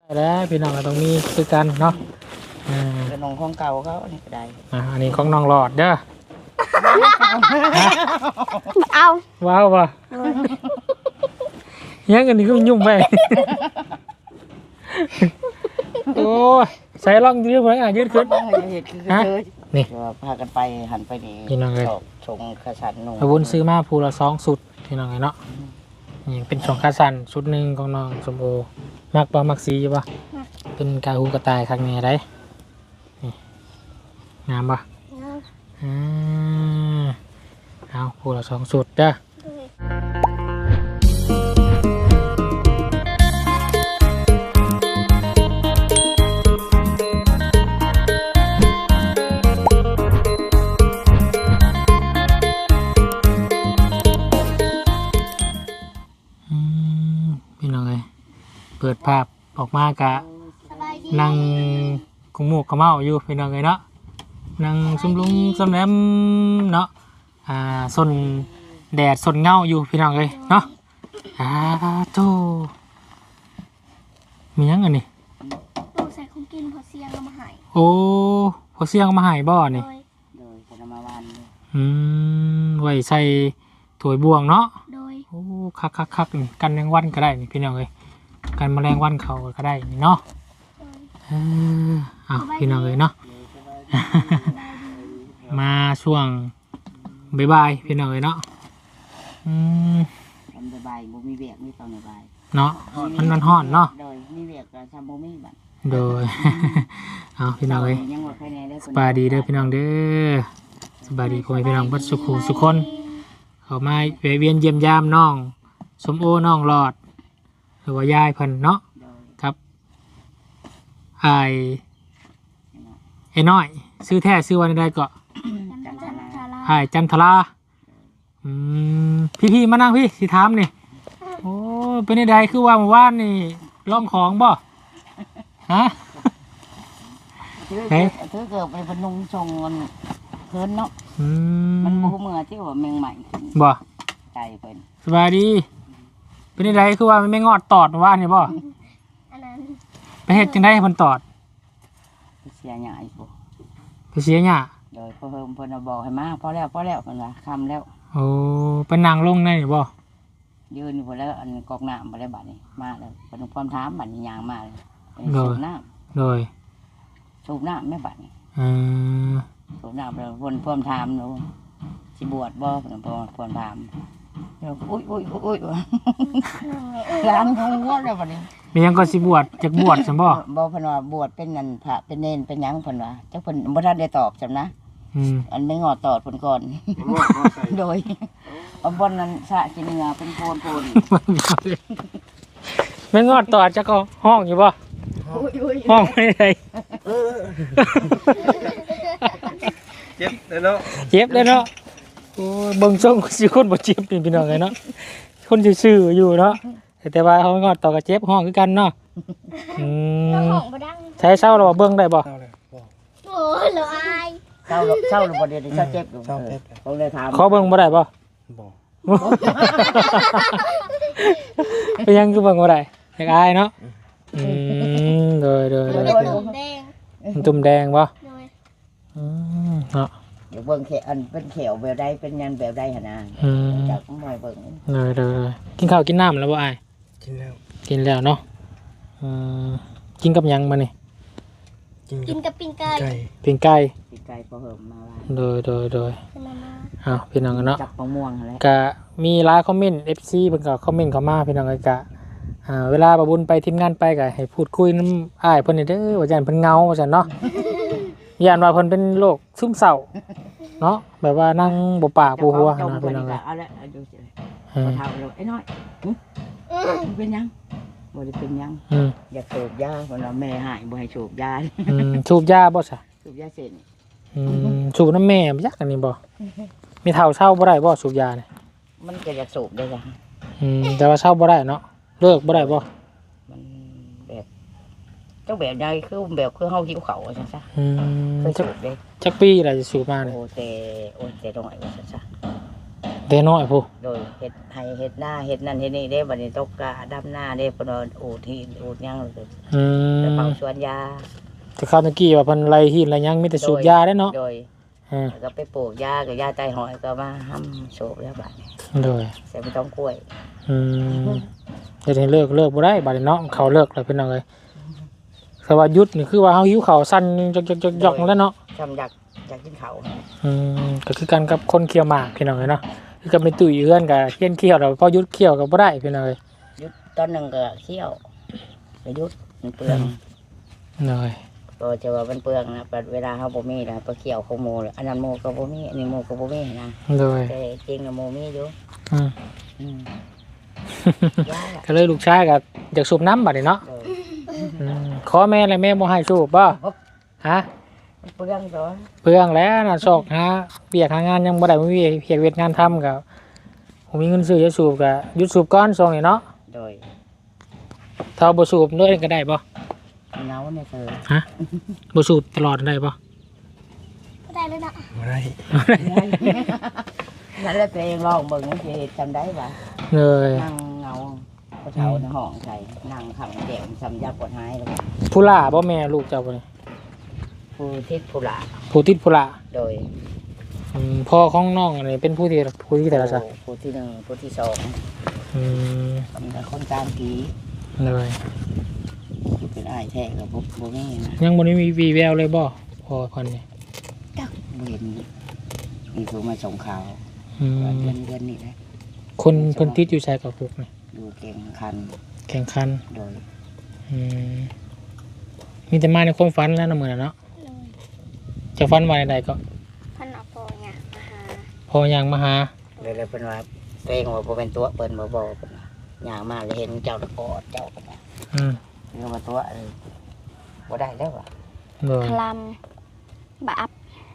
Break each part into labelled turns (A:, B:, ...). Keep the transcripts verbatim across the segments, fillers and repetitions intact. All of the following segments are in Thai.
A: แล้วพี่น้องก็ต้องมีคือกันเนาะอ่า
B: ขนมของเก่าเขาอันนี้ก็ได้
A: อ่าอันนี้ของน้องหลอดเด้อ
C: เอา
A: ว้าวว่ะยังอันนี้ก็ยุ่งไปโอ้ยใส่ร่องยืดไว้อ่ะยืดขึ้น
B: เอออย่าเห็ดคือ
A: ฮะ
B: เคย
A: นี่
B: เดี๋ยวพากันไปหันไปนี่
A: พี่น้องเอ้ย
B: ชอบชงขสันหนุ่ม
A: อาวุธซื้อมาภูละสองสุดพี่น้องไงเนาะนี่เป็นสองคาสันชุดหนึ่งของน้องสมโอมักปะมักสีอยู่ปะเป็นกาหูกระต่ายข้างในได้นี่งามปะอ่าเอาภูละสองสุดเด้ออืมพี่น้องเอ้ยเปิดภาพออกมากะ
C: สบายดี
A: นั่งกุมหมูกกระเมาอยู่พี่น้องเอ้ยเนาะนั่งซุ่มลุงซุ่มแหลมเนาะอ่าสนแดดสนเงาอยู่พี่น้องเอ้ยเนาะอ่าโตมีหยังอันนี้
C: ตู้ใส่ของกินพอเสียงเอามาใหาย
A: โอ้พอเสียงมาให้บ่นี่
C: โดย
B: โดยจะนำมาวานเลย
A: อืมไว้ใส่ถ้วยบวงเนาะ
C: โดย
A: โอ้คักคักคักนี่กันแมลงวันก็ได้นี่พี่น้องเอ้ยกันแมลงวันเขาก็ได้นี่เนาะ
C: โดย
A: เออเอาพี่น้องเอ้ยเนาะ มาช่วงบ่ายๆพี่น้องเอ้ยเนาะอืม
B: ทำสบายบ่มีเบียกมีตอนสบาย
A: เนาะมันมันฮ้อนเนาะ
B: โดยมีเบียกก็ทำบ่มีบัด
A: โดย เอาพี่น้องเอ้ย
B: ยังบ่ใครแน่ได้
A: สบายดีเด้อพี่น้องเด้อสบายดีพ่อแม่พี่น้องเบัดสุขสุขคนเขามาแวะเวียนเยี่ยมยามน้องสมโอน้องหลอดหรือว่ายายเพิ่นเนาะ
B: โดย
A: ครับไอ้ไอ้น้อยซื้อแท้ซื้อวันใดก็
C: จันทร์ชาลา
A: ไอ้จันทราอืมพี่พี่ๆมานั่งพี่สิถามนี่โอ้เป็นไงใดคือว่าเมื่อวานนี่ล่องของบ่ฮะ
B: ถือ
A: เฮ้ย
B: ถือเกิดไปพนุงชงมันเพิ่นเนาะ
A: อื
B: มัน
A: ม
B: บ่เมื่อที่ว่าแมงใหม่ขึ้น
A: บ่
B: ใจเพิ่น
A: สบายดีเป็นไงใดคือว่ามันไม่งอดตอดเมื่อวานนี่บ่
C: อันนั้น
A: ไปเฮ็ดจังได๋ให้เพิ่นตอด
B: เสียหยาอีกบ่
A: ไปเสียหญ้า
B: โดยเพิ่นเพิ่นเอาบอกให้มาพอแล้วพอแล้วเพิ่นว่าค่ำแล้ว
A: โอ้ไปนั่งลงในนี่บ่
B: ยืนอยู่พุ่นแล้วอันกอกน้ำบ่ได้บัดนี้มาแล้วเพิ่นความถามบัดนี้ยางมาเลยไปสูบน้ำ
A: โดย
B: สูบน้ำแม่บัดนี้
A: เออ
B: สูบน้ำแล้วเพิ่นความถามเนาะสิบวชบ่เพิ่นเพิ่นความถามเดี๋ยวอุ้ยอุ้ยอุ้ยร้านของวัวแล้วบัดนี้
A: มีหยังก็สิบวชจักบวชซั่นบ่
B: บ่เพิ่นว่าบวชเป็นนั่นพระเป็นเนรเป็นหยังเพิ่นว่าจักเพิ่นบ่ทันได้ตอบจำนะ
A: อืม
B: อันไม่งอตอดเพิ่นก่อน โดยเอาบนนั้นสะกินเนื้อเป็นโพนโพน
A: ไม่งอดตอดจักก็ห้องอยู่บ่
B: อุ้ยอุ้ย
A: ห้องไม่ได้
D: เจ็บเลยเนาะ
A: เจ็บเลยเนาะโอ้ยเบิ่งทรงสิคนบ่เจ็บนี่พี่น้องเอ้ยเนาะคนซื่อๆอยู่เนาะแต่ว่าเขางอดต่อกับเจ็บห้องคือกันเนาะอืม
C: เราของบ่ดัง
A: ใช้เช้าเราเบิ่งได้บ่
D: เอาเลยบอก
C: โอ้ยเราอาย
B: เศร้าเศร้าหรือบ่เดี๋ยวนี้เศร้าเจ็บอยู่
D: เศร้าเจ็บ
B: เขาเลยถาม
A: ขอเบิ่งบ่ได้บ่
D: บอก
A: เป็นหยังคือเบิ่งบ่ได้อยากอายเนาะอืมโดยโดยโด
C: เรา
A: ย
C: เป็นตุ่มแดง
A: มันตุ่มแดงบ่
C: โดย
A: อืมเนาะ
B: เดี๋ยวเบิ่งแขอันเป็นเขียวแบบใดเป็นยันแบบใดหั่นน่ะ
A: อืม
B: จากผมบ่อยเบิ่ง
A: โดยโดยโดยกินข้าวกินน้ำแล้วบ่อาย
D: กินแล้ว
A: กินแล้วเนาะอืมกินกับหยังมานี่
D: กิน
C: กินกับปิ้งไก่
D: ไก่
A: ปิ้งไก่
B: ปีไก่พอเหิมมาว่า
A: โดยโดยโดย
C: ขนาดนั้น
A: เอาพี่น้องกันเนาะ
B: จับมะม่วงอะไร
A: ก็มีหลายคอมเมนต์ เอฟ ซี เพิ่นก็คอมเมนต์เข้ามาพี่น้องก็กะอ่าเวลาบ่บุญไปทีมงานไปก็ให้พูดคุยนำอ้ายเพิ่นนี่เด้อว่าจันเพิ่นเหงาว่าซั่นเนาะ ย่านว่าเพิ่นเป็นโรคซึมเศร้าเนาะแบบว่านั่งบ่ปากบ่หัว
B: จ
A: หั่น
B: ม
A: นะ
B: ไป
A: พี่น้
B: นี่
A: อง
B: ก็
A: เอ้ย
B: เอาละเอาดูสิ
A: เออ
B: ถามเราไอ้น้อยหึมึงเป็นหยังบ่ได้เป็นหยัง
A: อืม
B: อยากสูบยาเพิ่นว่าแม่หายบ่ให้สูบยา
A: อืมสูบยาบ่ซะ
B: สูบยาเสร็จ
A: อืมสูบน้ำแม่บ่จักอันนี้บ่มีเฒ่าเช่าบ่ได้บ่สูบยาเนี่ย
B: มันก็อยากสูบได้จ้ะ
A: อืมแต่ว่าเช่าบ่ได้เนาะเลิกบ่ได้บ่
B: มันแบบเจ้าแบบใดคือแบบคือเฮาหิวเขาวจังซะ
A: อืม
B: เคย
A: จัก
B: สูบเด้
A: จักปีอะไรจะสูบมาเนี่ย
B: โอ้แต่โอ้แต่น้อยว่าจังซะ
A: อเด้น้อยผู้
B: โดยเฮ็ดให้เฮ็ดหน้าเฮ็ดนั่นเฮ็ดนี่เด้บัดนี้ตกกะดำหน้าเด้เพิ่นว่าอูดที่อูดหยังเลย
A: อื
B: ไป
A: ม
B: เผาสวนยา
A: แต่คราวตะกี้ว่าเพิ่นไล่หินไล่หยังมีแต่สูบยาได้เนาะ
B: โดย
A: อ่า
B: แล้วก็ไปปลูกยากับยาใจหอยก็มาห้ำโศกแล้วบัดนี้
A: โดย
B: ใส่ไม่ต้องกล้วย
A: อืมเดี๋ยวนี้เลิกเลิกบ่ได้บัดนี้เนาะเขาเลิกแล้วพี่น้องเอ้ยแต่ว่าหยุดนี่คือว่าเฮาหิวข้าวสั่นจอกๆๆๆแล้วเนาะ
B: ทำอยากอยากกินเขาว
A: อืมก็คือกันกับคนเคี่ยวหมากพี่น้องเอ้ยเนาะคือกับในตุ้ยเอื้อนก็เคี่ยนเคี่ยวแล้วพอหยุดเคี่ยวก็บ่ได้พี่น้องเอ้ย
B: ยุดตอนหนึ่งก็เคี่ยวไปยุดมันเปลือง
A: หน่อย
B: พอจะว่ามันเปลืองนะแต่เวลาเขาบ่มีนะไปเคี่ยวของโมเลยอันนั้นโมก็บ่มีอันนี้โมก็บ่มีนะ
A: โดย
B: แต่จริงนะโมมีอยู่
A: อืม
B: อืมยาละ
A: ก็เลยลูกชายก็อยากสูบน้ำบัดนี้เนาะ
B: เออ
A: อืมขอแม่และแม่บ่ให้สูบบ่ฮะ
B: มันเปลืองตัว
A: เปลืองแล้วน่ะซอกหาเปียกหางานยังบ่ได้บ่มีเพียกเวียดงานทำก็ผมมีเงินซื้อจะสูบก็หยุดสูบก่อนช่วงนี้เนาะ
B: โดย
A: ถ้าบ่สูบด้วยก็ได้บ่
B: เงาเนี่ยเธอ
A: ฮะบ่สูบตลอดได้บ่
C: ไม่ได้เลยนะ
D: บ่ได้
B: นั่นแหละตัวเองลองเบิ่งมันจะเห็นจำได้ปะ
A: เลย
B: นั่งเงาพระเช้าในห้องใส่นั่งขังแดงสำยับปวดหายเลย
A: ผู้ล่าบ่แม่ลูกเจ้าบ่นี่
B: ผู้ทิศผู้หลา
A: ผู้ติดผู้ล่า
B: โดย
A: อืมพ่อของน้องอันนี้เป็นผู้ที่ผู้ที่แต่ละซะ
B: ผู้ที่หนึ่งผู้ที่สอง
A: อืม
B: เป็นคนกลางผี
A: เลย
B: เป็นอ้ายแท้กับพวกพวกนี้นะ
A: ยังบ่ได้มีวีแววเลยบ่พ่อเพิ่นนี่
B: บ่เห็นมีผู้มาส่งข่าว
A: อื
B: ว่าเดือ
A: ม
B: นเดือนนี้นะ
A: คนเพิ่นติดอยู่ชายกับคุกนี่
B: ดูเก่งคัน
A: แข่งขัน
B: โดย
A: อืมมีแต่มาในความฝันแล้วนะมื้อนั้นเนาะ
C: เลย
A: จะฝันว่าใดๆก็
C: พันเอาโปเนี่ยมาหา
A: พอยังมาหา
B: เลยเลยเป็นว่าตัวเองว่าบ่เป็นตัวเปิ้นบ่บ่เพิ่นว่าย่างมาเลยเห็นเจ้าตะกอดเจ้ากันนะ
A: อืม
B: เรียกว่าตัวเออบ่ได้แล้วว่ะ
A: เลย
C: คลำบาป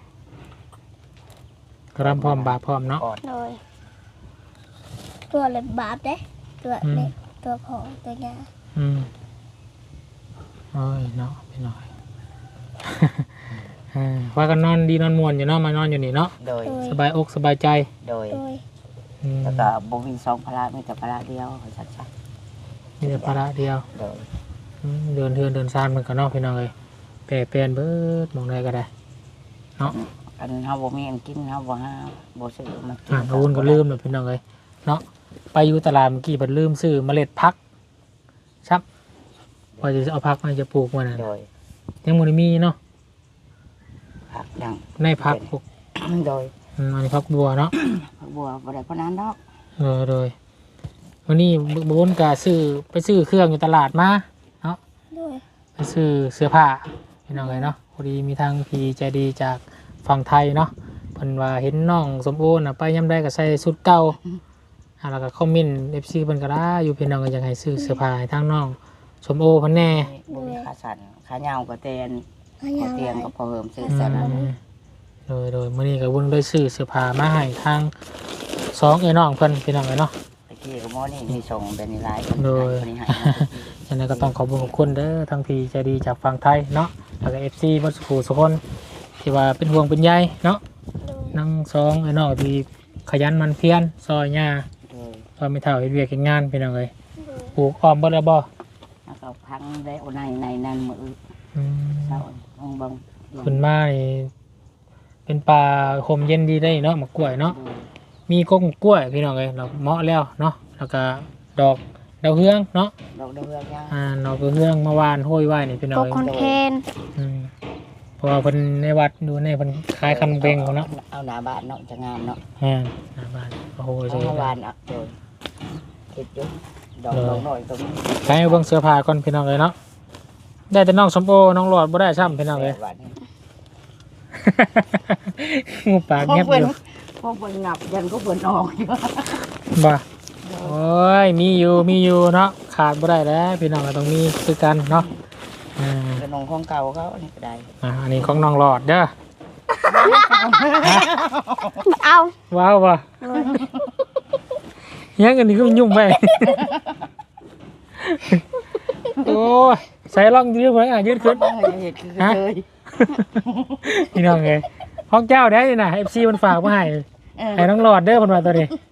A: กระรำพร้อมบาปพร้อมเนาะ
B: กอด
C: เลยตัวเลยบาปเด้ตัวเล็กตัวผอมตัวใหญ่
A: อืมโอ้ยเนาะไปหน่อย อ่าว่ากันนอนดีนอนม่วนอยู่เนาะมานอนอยู่นี่เนาะ
B: โดย
C: โดย
A: สบายอกสบายใจ
B: โดย
C: โดย
A: อืม
B: แล้วก็บ่มีสองพระมีแต่พระเดียวชัด
A: มีแต่ภาระเดียว
B: ๆโดย
A: อืมเดินเทือนเดินซานมันก็เนาะพี่น้องเลยแปรเปลี่ยนเบิดหมองใดก็ได้เนาะ
B: อันเฮาบ่มีอันกินเฮาบ่หาบ่ซื้อมากิน
A: อ่านอาวุธก็ลืมเลยพี่น้องเลยเนาะไปอยู่ตลาดเมื่อกี้บัดลืมซื้อเมล็ดพักครับว่าจะเอาพักมาจะปลูกมันน่ะ
B: โดย
A: ยังบ่ได้มีเนาะ
B: ผักยัง
A: ในพักพวก
B: โดย
A: อืมอันนี้พักบัวเนาะ
B: ผักบัวบ่ได้เพราะนั้นดอก
A: เออเลยวันนี้บุญกาซื้อไปซื้อเครื่องอยู่ตลาดมาเนาะ
C: โดย
A: ไปซื้อเสื้อผ้าพี่น้องเลยเนาะพอดีมีทางพี่ใจดีจากฝั่งไทยเนาะเพิ่นว่าเห็นน้องสมโอน่ะไปย่ำได้ก็ใส่ชุดเก่าอ่าแล้วก็คอมเมนต์ เอฟ ซี เพิ่นก็ได้อยู่พี่น้องก็อยากให้ซื้อเสื้อผ้าให้ทางน้องสมโอเพิ่นแน่
B: บ่มีขาสั่นขาเหยาวก็เตน
C: เอา
B: พ
C: ยั
B: อง เตียง
C: ไง
B: ก็พอเพิ่มซื้อ
A: อื
B: ใส่แล้ว
A: มโดยโดยมื้อนี้ก็บุญได้ซื้อเสื้อผ้ามาให้ทางสองเอ้น้องเพิ่นพี่น้องเลยเนาะ
B: ตะกี้ก็หมอนี่มีส่งเป็นหลายคน
A: โดย
B: คนนี้ให้
A: ฉะนั้นก็ต้องขอบคุณขอบคุณเด้อทางพี่ใจดีจากฝั่งไทยเนาะแล้วก็ เอฟ ซี บ่สุขสุคนที่ว่าเป็นห่วงเป็นใยเนาะ
C: โดย
A: นั่งสองไอ้น้องที่ขยันหมันเพียรซอยหญ้า
B: โดย
A: ซอยไม่เท่าเฮ็ดเวียกเฮ็ดงานพี่น้องเอ้ย
C: โดย
A: ปลูกอ้อมเบิดแล้วบ่
B: แล้วก็พังได้โอในในนั้นมือ
A: อื
B: เศร้าม ลงเบัง
A: ขึ้นมานี่เป็นป่าโฮมเย็นดีได้เนาะมะกล้วยเนาะมีกงกล้วยพี่น้องเอ้ยเราเหมาะแล้วเนาะแล้วก็ดอกดาวเฮืองเนาะ
B: ดอกดาวเรืองยา
A: อ่าดอกดาวเฮืองมาวานโห้อยไว้นี่พี่น้อง
C: ก็
A: เอ้ย
C: คอนเทน
A: อืมเพราะว่าเพิ่นในวัดดูในเพิ่นคล้ายคันเบงเขาเนาะ
B: เอาหน้าบ้านเนาะจะงามเนาะ
A: แม่นหน้าบ้านโอ้โห
B: เอา
A: สวย
B: หน้า
A: เล
B: บ้าย นอ่ะโดยคิดอยู่ดอกดอกหน่อยตรงนี้
A: ไปเอาเบิ่งเสื้อผ้าก่อนพี่น้องเลยเนาะได้แต่น้องสมโอน้องหลอดบ่ได้ซ้ำพี่น้องเลย
B: บ้านนี้
A: งูปาก
B: พว
A: เงีย
B: ก
A: บ
B: เพิ่
A: อน ยู่
B: พวกเพิ่นงับยันก็เพิ่นออกอยู่
A: บ่โอ้ยมีอยู่มีอยู่เนาะขาดบ่ได้แล้วพี่น้องก็ต้องมีคือกันเนาะอ่า
B: ขนมของเก่าเขาอันนี้ก็ได้
A: อ่าอันนี้ของน้องหลอดเด้อ
C: เอา
A: ว้าวบ่ยังอันนี้ก็ยุ่งไป โอ้ยใส่ลองยืดไว้อ่ะยืดขึ้น
B: บ้างเลยเห็ดคือเคย
A: พี่น้องเอ้ยของเจ้าได้นี่นะ เอฟ ซี มันฝากมาให้
B: เออ
A: ให้น้องหลอดเด้อเพิ่นว่าตัวนี้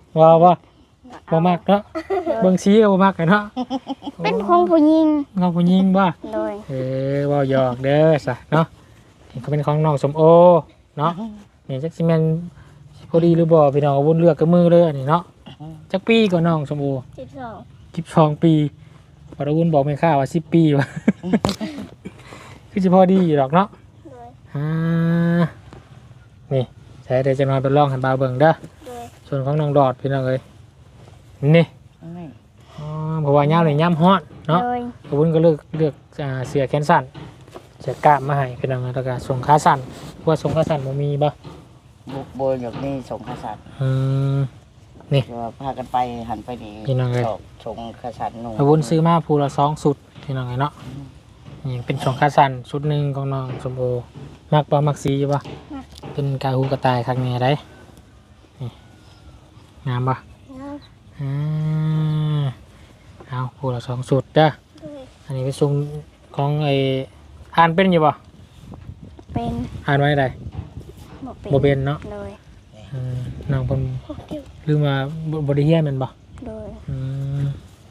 A: ว้าวบ่บ่มักเนาะเบิ่งสีก็บ่มักกันเนาะ
C: เป็นของผู้หญิง
A: เงาผู้หญิงบ่
C: โดย
A: เออเว้าหยอกเด้อซะเนาะนี่ก็เป็นของน้องสมโอเนาะนี่จักสิแม่นสิพอดีหรือบ่พี่น้องวนเลือกกับมือเลยอันนี้เนาะจักปีก็น้องสมโอ
C: สิบสอง
A: สิบสองปีพอดวุ้นบอกไม่ค่าว่าสิบปีวะ คือจะพอดีอยู่หรอกเนาะ
C: โดย
A: อ่านี่ใช้เดี๋ยวจะนอนไปลองหันบาวเบิ่งเด้อ
C: โดย
A: ส่วนของน้องดอดพี่น้องเอ้ยนี่
B: นี่
A: อ๋อเพราะว่าย่ามเลยย่ามฮอดเนาะ
C: โดย
A: พอวุ้นก็เลือกเลือกอ่าเสือแขนสั้นเสือกล้ามมาให้พี่น้องเอ้ยแล้วก็ส่งขาสั้นเพราะว่าส่งขาสั้นบ่มีบ่
B: บุกโบยแบบนี้ส่งขสัตว์
A: อืม
B: ว่าพากันไปหันไปนี่
A: พี่น้องเอ้ย
B: ชอบส่งขสัตว์นุ่ง
A: พอวุ้นซื้อมาภูละสองสุดพี่น้องเอ้ยเนาะนี่เป็นส่งขาสั้นชุดหนึ่งของน้องสมโอมักบ่มักสีอยู่บ่ เป็นกาหูกระต่ายข้างในได้นี่งามปะ
C: งาม
A: อ่าเอาพูดละสองสุดเด้อ
C: โดย
A: อันนี้เป็นทรงของไออ่านเป็นอยู่ปะ
C: เป็น
A: อ่านไว้ได้
C: บ่เป็น
A: บ่เป็นเนาะ
C: โดย
A: อืมน้องเพิ่น
C: โอเค
A: ลืมว่าบ่บ่ได้เฮียนแม่นบ่
C: โดย
A: อืม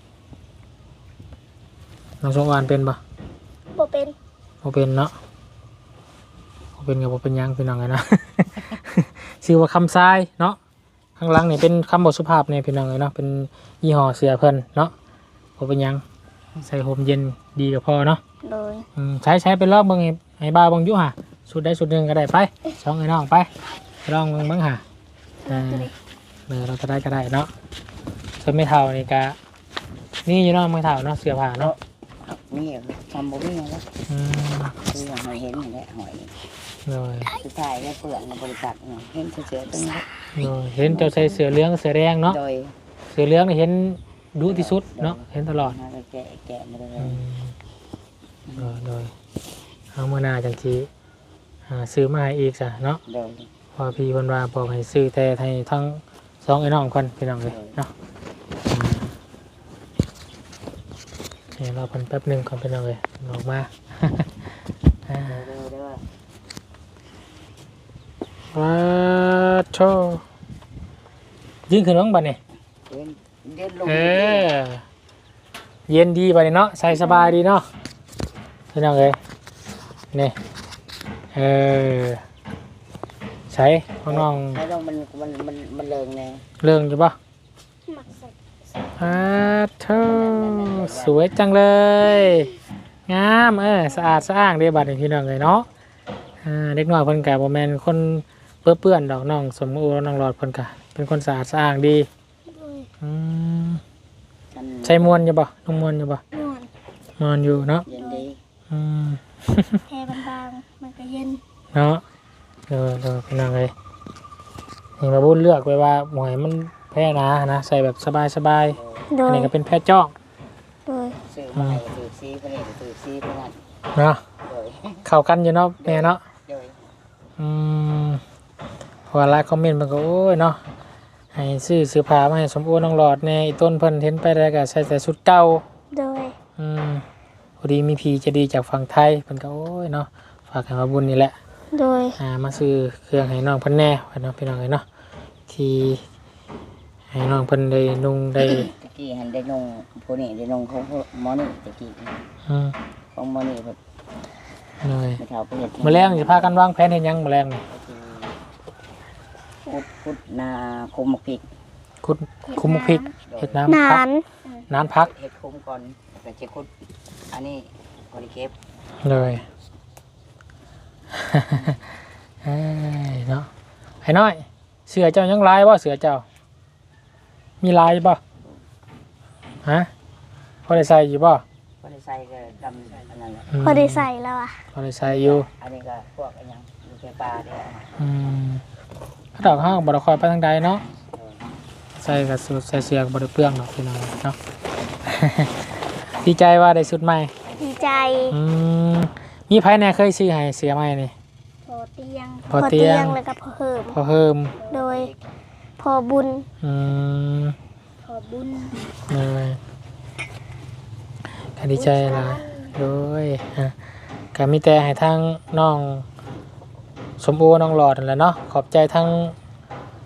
A: น้องทรงอ่านเป็นบ่
C: บ่เป็น
A: บ่เป็นเนาะบ่เป็นก็บ่เป็นหยังพี่น้องไงเนาะ ชื่อว่าคำทรายเนาะข้างหลังนี่เป็นคำบทสุภาพเนี่ยพี่น้องเลยเนาะเป็นยี่ห้อเสือเพิ่นเนาะบ่เป็นหยังใส่ห่มเย็นดีก็พอเนาะ
C: โดย
A: อืมใช้ใช้ไปลองเบิ่งให้ให้บ้าวเบิ่งอยู่ห่ะสุดได้สุดหนึงก็ได้ไปสองไอ้น้องไปไปลองเบิ่งเบิ่งห่ะอ่าเออเราจะได้ก็ได้เนาะส่วนไม่เท่านี่ก็นี่อยู่เนาะไม่เท่าเนาะเสื้อผ้าเนาะ
B: นี่ทำบ่มีแล้ว
A: อืม
B: คือหอยเห็นอย่างนี้หอย
A: เลย
B: สุดท้ายได้เปลือกในบริษัทเนาะเห็นเฉยๆตรงนี้
A: เลยเห็นเจ้าใส่เสื้อเหลืองเสื้อแดงเนาะ
B: โดย
A: เสื้อเหลืองนี่เห็นดูที่สุดเนาะเห็นตลอด
B: มาเลยแกะแกะมาเลย
A: อืมโดยโดยเอาเมื่อหนาจังทีหาซื้อมาให้อีกซะเนาะ
B: โดย
A: เพอพี่เพิ่นว่าบอกให้ซื้อแต่ให้ทั้งสองไอ้น้องคนพี่น้องเลยเนาะอ่าเดี๋ยวเราเพิ่นแป๊บหนึงก่อนพี่น้องเลยออกมา อ่า
B: เด้อเด้อ
A: ว้าโชยิงขึ้นน้องบัดนี่
B: เดินเดินลง
A: เออเย็นดีบัดนี่เนาะใส่สบายดีเนาะพี่น้องเลยนี่เออใช้ของน้อง
B: ใช่ต้องมันมันมันมันเลิงแน่
A: เรื่องอยู่ปะ
C: หมักใส่
A: อาเธอสวยจังเลยงามเออสะอาดสะอ้างเดียบัดนี่พี่น้องเลยเนาะอ่าเด็กน้อยเพิ่นกะบ่แม่นคนเปื้อเปื้อนดอกน้องสมโอน้องหลอดเพิ่นกะเป็นคนสะอาดสะอ้างดี
C: โดย
A: อืม
B: ฉัน
A: ใช้มวนอยู่ปะนุ่มมวนอยู่ปะ
C: นวล
A: มวนอยู่เนาะ
B: เย็นดี
A: อืม
C: แพรบางๆมันก็เย็น
A: เนาะเออเออพี่น้องเลยนี่มาบุญเลือกไว้ว่าหมวยมันแพ้หนานะใส่แบบสบายๆ
C: โด
A: อัน
C: ย
A: นี้ก็เป็นแพ้จ้อง
C: โดย
B: ซื้อมาให้ถือซีเพื่อนถือซีเพื่อน
A: เนาะ
B: โดย
A: เข้ากันอยู่เนาะแม่เนาะ
B: โดย
A: อืมพอไลน์คอมเมนต์มันก็โอ้ยเนาะให้ซื้อซื้อผ้ามาให้สมบูรณ์น้องหลอดแน่อีต้นเพิ่นเห็นไปได้ก็ใส่แต่ชุดเก่า
C: โดย
A: อืมพอดีมีพีจะดีจากฝั่งไทยเพิ่นก็โอ้ยเนาะฝากให้มาบุญนี่แหละ
C: โดย
A: อ่ามาซื้อเครื่องให้น้องเพิ่นแน่ว่าเนาะพี่น้องเอ้ยเนาะที่ให้น้องเพิ่นได้นุ่งได้
B: ตะกี้หันได้นงผู้นี้ได้นงของหมอนี่ตะกี้
A: อืม
B: ของหมอนี่แบบ
A: เลย
B: ไม่เท่าเพื่อน
A: มื้อแรงสิพากันวางแผนเฮ็ดหยังมื้อแรงนี่
B: พุดพุดนาคุมหมกพริก
A: คุดคุมพริกเฮ็ดน้ำ
C: นา
A: พัก
C: น
A: น้ำพัก
B: เห็ดคุมก่อนแต่เจ้าคุดอันนี้บริเก็บ
A: เลย เอ้ยเนาะไอ้น้อยเสือเจ้ายังลายบ่เสือเจ้า มีลายบ่ฮะพอได้ใส่อยู่บ่
B: บริใส่ก็ดำอันนั้นแหละ
A: ม
C: พอได้ใส่แล้วอ่ะ
A: พอได้ใส่อยู่
B: อันนี้ก็พวกอันยังมีแค่ปลาเดียว
A: อืมถ้าดอกห้างบ่ได้คอยไปทางใดเนาะใส่กับสูทใส่เสื้อก็บ่ได้เปลืองดอกพี่น้องเนาะ ดีใจว่าได้สุดใหม่
C: ดีใจ
A: อืมมีไผแน่เคยซื้อให้เสือใหม่นี่
C: พอเตียง
A: พอเตียง
C: แล้วก็พอเหิม
A: พอเพิ่ม
C: โดย พอบุญ
A: อืม
C: พอบุญ
A: เลยก็ดีใจละโดยฮะก็มีแต่ให้ทางน้องสมบูรณ์น้องหลอดนั่นแหละเนาะขอบใจทั้ง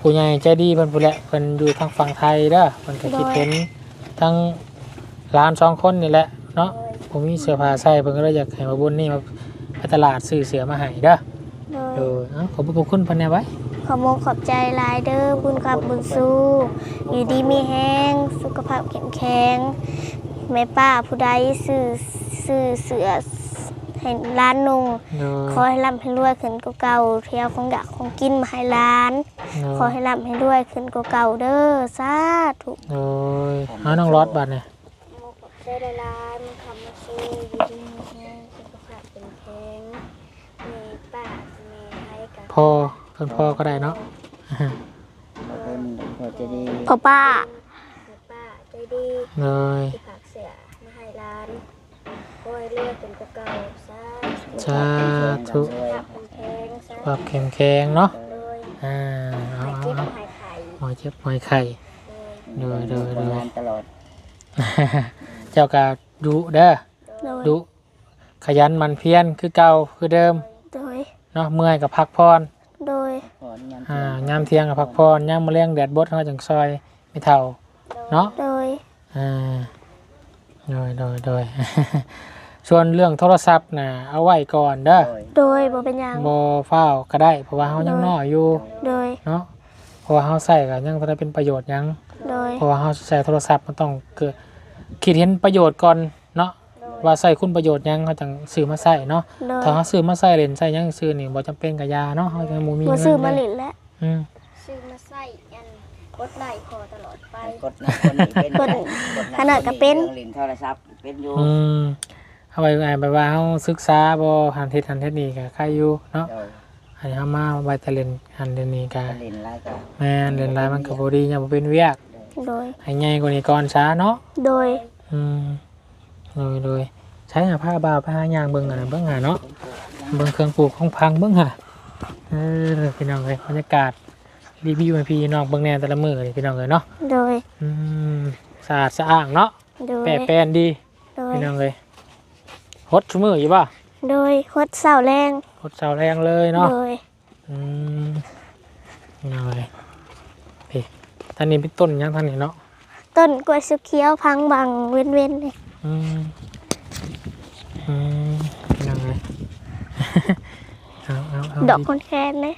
A: ผู้ใหญ่ใจดีเพิ่นผู้แหละเพิ่นอยู่ทางฝั่งไทยเด้อเพิ่นก็คิดเห็นทั้งหลานสองคนนี่แหละเนาะผมมีเสื้อผ้าใส่เพิ่นก็เลยอยากให้มาบุญนี่มาไปตลาดซื้อเสื้อมาให้เด้อ
C: โดย
A: เออเอ้าขอบคุณเพิ่นแน่ไว้
C: ขอมกขอบใจหลายเด้อบุญกับบุญสู้อยู่ดีมีแห้งสุขภาพแข็งแรงแม่ป้าผู้ใดซื้อซื้อเสือให้ร้านนุ่ง
A: เด้อ
C: ขอให้ร่ำให้รวยขึ้นกว่าเก่าเที่ยวของอยากของกินมาให้ร้าน
A: เด้อ
C: ขอให้ร่ำให้รวยขึ้นกว่าเก่าเด้อสาธุ
A: เด้อเอาน้องรอดบัดนี่
C: ได้ละลายมันคำมาสู้อยู่ดีมีแห้งสุขภาพเป็นแข็งมีป้ามีไทยกับ
A: พ่อเพิ่นพ่อก็ได้เนาะ
B: เพิ่นเพิ่นจะดี
C: พ่อป้าป้าใจดี
A: เลย
C: ที่ผักเสียมาให้ร้านคอยเลือกเป็นกว่าเก่าสาธุ
A: สาธุ
C: สุขภาพเป็นแข็งสา
A: ค
C: ธุ
A: วามเข้มแข็งเนาะ
C: เลย
A: อ่าเอา
C: หาย
A: เอา
C: เจ็บ
A: เอา
C: หายไข่
A: หอยเจ็บหอยไข่
C: เลย
A: เด้อเด้อเด้อ
B: ทำงานตลอด
A: เจ้าก็ดุเด้อ
C: โดย
A: ดุขยันหมันเพียรคือเก่าคือเดิม
C: โดย
A: เนาะเมื่อยกับพักพร
C: โดย
B: ขอนงาน
A: อ่ายามเที่ยงกับพักพรยามมื้อแลงแดดบดเฮาจังซอยไม่เท่าเนาะ
C: โดย
A: อ่าโดยโดยโดย ส่วนเรื่องโทรศัพท์น่ะเอาไว้ก่อนเด้อ
B: โดย
C: โดยบ่เป็นหยัง
A: บ่ฟ้าวก็ได้เพราะว่าเฮายังน้อยอยู่
C: โดย
A: เนาะเพราะว่าเฮาใช้ก็ยังบ่ได้เป็นประโยชน์หยัง
C: โดย
A: เพราะว่าเฮาใช้โทรศัพท์มันต้องเกิดคิดเห็นประโยชน์ก่อนเนาะว่าใช้คุณประโยชน์หยังเฮาจังซื้อมาใช้เนาะ
C: โดย
A: ถ้าเฮาซื้อมาใช้เล่นใช้หยังซื้อนี่บ่จำเป็นกับยาเนาะเฮาจังบ่มี
C: บ่
A: เงิน
C: ซื้อมา
A: เลย
C: หลินแล้ว
A: อืม
C: ซื้อมาใส่ยันกดไลค์พอตลอดไป
B: กดนะคนนี้เป็น
C: กด
B: กดะ
C: ขนาดก็เป็น
B: รื่องลิ้นโทรศัพท์เป็นอยู่
A: อืมเอาไว้อ่านไปว่าเฮาศึกษาบ่หันเฮ็ดหันเฮ็ดนี่ก็ใครอยู่เนาะ
B: โดย
A: อันนี้เฮามาไว้แต่เล่นหันเล่นนี่ก็
B: ลิ้นไล่ก็
A: แม่นเล่นหลายมันก็บ่ดียังบ่เป็นเวียก
C: โดย
A: ให้ใหญ่กว่านี้ก่อนซะเนาะ
C: โดย
A: อืมโดยโดยใช้หาผ้าบ่าวผ้าย่างเบิ่งอ่ะเบิ่งหาเนาะเบิ่งเครื่องปลูกของพังเบิ่งหาเออพี่น้องเอ้ยบรรยากาศรีวิวให้พี่น้องเบิ่งแหน่แต่ละมื้อเลยพี่น้องเอ้ยเนาะ
C: โดย
A: อืมสะอาดสะอ้างเนาะ
C: โดย
A: แปะแปนดี
C: โดย
A: พี่น้องเอ้ยฮดชุมื้ออยู่ป่ะ
C: โดยฮดเสาแรง
A: ฮดเสาแรงเลยเนาะ
C: โดย
A: อืมพี่น้องเอ้ยพี่ท่านนี้เป็นต้นหยังท่านนี้เนาะ
C: ต้นกล้วยสุเขียวพังบังเว้นเว้นเลย
A: อืมอืมพี่น้องเอ้ย เอาเอาเอา
C: ดอกคนแคนเลย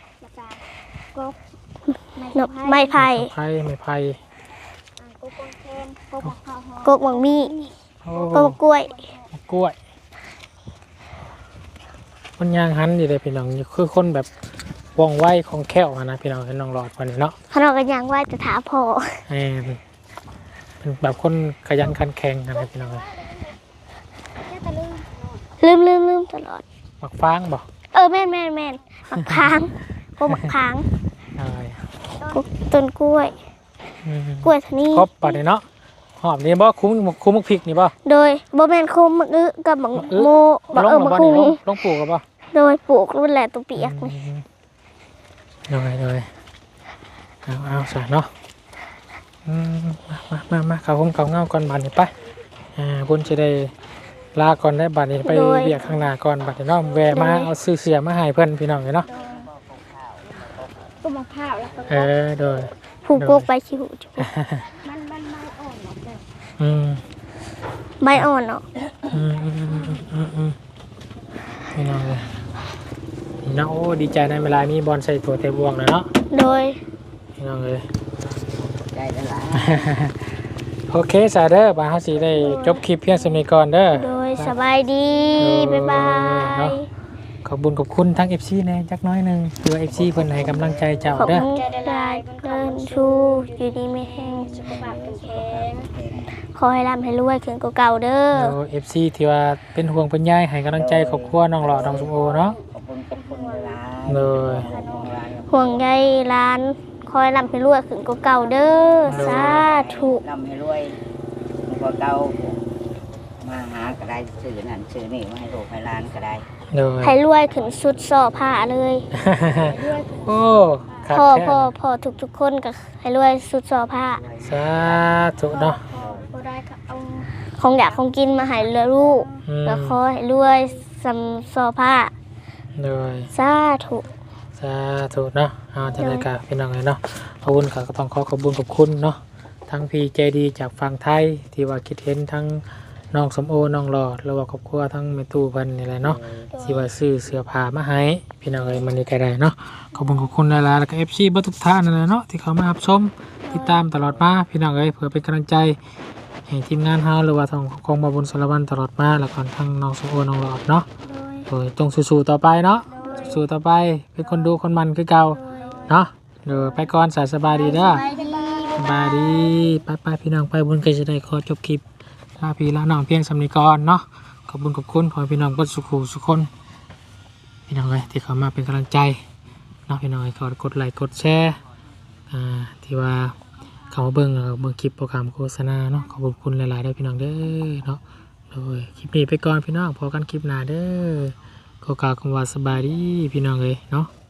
C: ดอกไม้ไผ่
A: ไผ่ไม่ไผ่
C: กกหมังมี
A: โอ้
C: กกกล้วย
A: กล้วยคนยางหันอยู่เลยพี่น้องนี่คือคนแบบว่องไวของแค้วอะนะพี่น้องเห็นน้องหลอดคนนี้เนาะ
C: ขนมกันยังว่าจะถาพอ
A: แหมเป็นแบบคนขยันขันแข็งอะนะพี่น้องเอ้ย
C: ลืมลืมลืมตลอด
A: หมักฟางบอก
C: เออแม่นแม่นแม่นหมักค้างกกหมักค้าง
A: อะไร
C: กกต้นกล้วย
A: อืม
C: กล้วยเท่านี้
A: ครบปัดเลยเนาะหอมนี่บ่คุ้มคุ้มมักพริกนี่บ่
C: โดยบ่แม่นคุมมักอึกับมัก
A: มักอึ
C: โมบ่
A: มาล
C: เออง มั
A: มาก บ่
C: คุ
A: นี่
C: ม
A: ลงลงปลูกกับบ่
C: โดยปลูกรุ่นแหละตัวเปียกนี่
A: อืมเลยเลยเอาเอาใส่เนาะอืมมามามามาเขาผมเขาเงาก่อนบัดนี้ไปอ่าบุญจะได้ลาก่อนได้บัดนี้ไปเบียกข้างหน้าก่อนบัดนี้เนาะแวะมาเอาซื้อเสียมาให้เพื่อนพี่น้องเลยเนาะ
C: ก็มะพร้าวแล้วก็
A: เออโดย
C: ผูกกกใบชิวจุ
B: มันมันไม่อ่อนหรอกเด้อ
A: อืม
C: ใบอ่อนเนาะ
A: อืมอืมอืมอืมอืมพี่น้องเลยนี่เนาะโอ้ดีใจในเวลานี้บอลใส่ถั่วเทบวงเลยเนาะ
C: โดย
A: พี่น้องเลย
B: ใจละลาย
A: โอเคสาเด้อบาเฮาสิได้จบคลิปเพียงสำนี้ก่อนเด้อ
C: โดยสบายดีบ๊ายบา
A: เนาะ
C: ย
A: ขอบคุญขอบคุณทั้ง เอฟ ซี แน่จักหน้อยหนึงเพื่อ เอฟ ซี เพิ่นให้กำลังใจเจ้า
C: ขอบ
A: เด้อ
C: คุณใจได้เดินชูอยู่ดีไม่แห้งสุขภาพแข็งแรงขอให้ร่ำให้รวยขึ้นกว่าเก่าเด้อ
A: โอ้ เอฟ ซี ที่ว่าเป็นห่วงเป็นใยให้กำลังใจครอบครัวน้องหล่อน้องสมโอเนาะ
B: ขอบคุณขอบคุณเวลา
A: เลย
B: ขอบคุณเวลา
C: ห่วงใยร้านคอยร่ำให้รวยขึ้นกว่าเก่าเด้อสาธุ
B: ร่ำให้รวยมันก็เก่ามาหาก็ได้ซื้อนั่นซื้อนี่มาให้ลูกให้หลานก็ได้
A: เลย
C: ให้รวยขึ้นสุดสอผ้าเลย
A: โอ้คัก
C: พ่อ
A: แท้
C: พ่อพ่อทุกทุกๆคนก็ให้รวยสุดสอผ้า
A: สาธุเนาะ
C: ของอยากของกินมาให้เหลือลูก
A: อืม
C: แล้วขอให้รวยสำสอผ้า
A: เลย
C: สาธุ
A: สสาธุเนาะเอาจังได๋ก็พี่น้องเอ้ยเนาะขอบคุณก็ต้องขอขอบคุณขอบคุณเนาะทั้งพี่ใจดีจากฝั่งไทยที่ว่าคิดเห็นทั้งน้องสมโอน้องหลอดแล้วว่าครอบครัวทั้งแม่ตู้เพิ่นนี่แหละเนาะที่ว่าซื้อเสื้อผ้ามาให้พี่น้องเอ้ยมันนี่ก็ได้เนาะขอบคุณขอบคุณหลายๆแล้วก็ เอฟ ซี เบ่ทุกท่านนั่นแหละเนาะที่เข้ามารับชมติดตามตลอดมาพี่น้องเอ้ยเพื่อเป็นกำลังใจให้ทีมงานเฮาหรือว่าทางของบ่บุญสารวัตรตลอดมาแล้วก็ทั้งน้องสมโอน้องหลอดเนาะ
C: โดย
A: โอ้ยต้องสู้ๆต่อไปเนาะ
C: โดย
A: สู้ต่อไปเป็นคนดูคนมันคือเก่าเนาะเดี๋ยวไปก่อนสายสบายดีเด้อ
C: ไปดี
A: สบายดีไปไปพี่น้องไปบุญก็จะได้ขอจบคลิปลาพี่ลาน้องเพียงสำนีก่อนเนาะขอบคุณขอบคุณขอให้พี่น้องเบิดสุขหูสุขคนพี่น้องเลยที่เข้ามาเป็นกำลังใจเนาะพี่น้องขอกดไลค์กดแชร์อ่าที่ว่าเขามาเบิ่งแล้วก็เบิ่งคลิปโปรแกรมโฆษณาเนาะขอบคุณหลายๆเด้อพี่น้องเด้อเนาะโดยคลิปนี้ไปก่อนพี่น้องพอกันคลิปหน้าเด้อขอกล่าวคำว่าสบายดีพี่น้องเลยเนาะ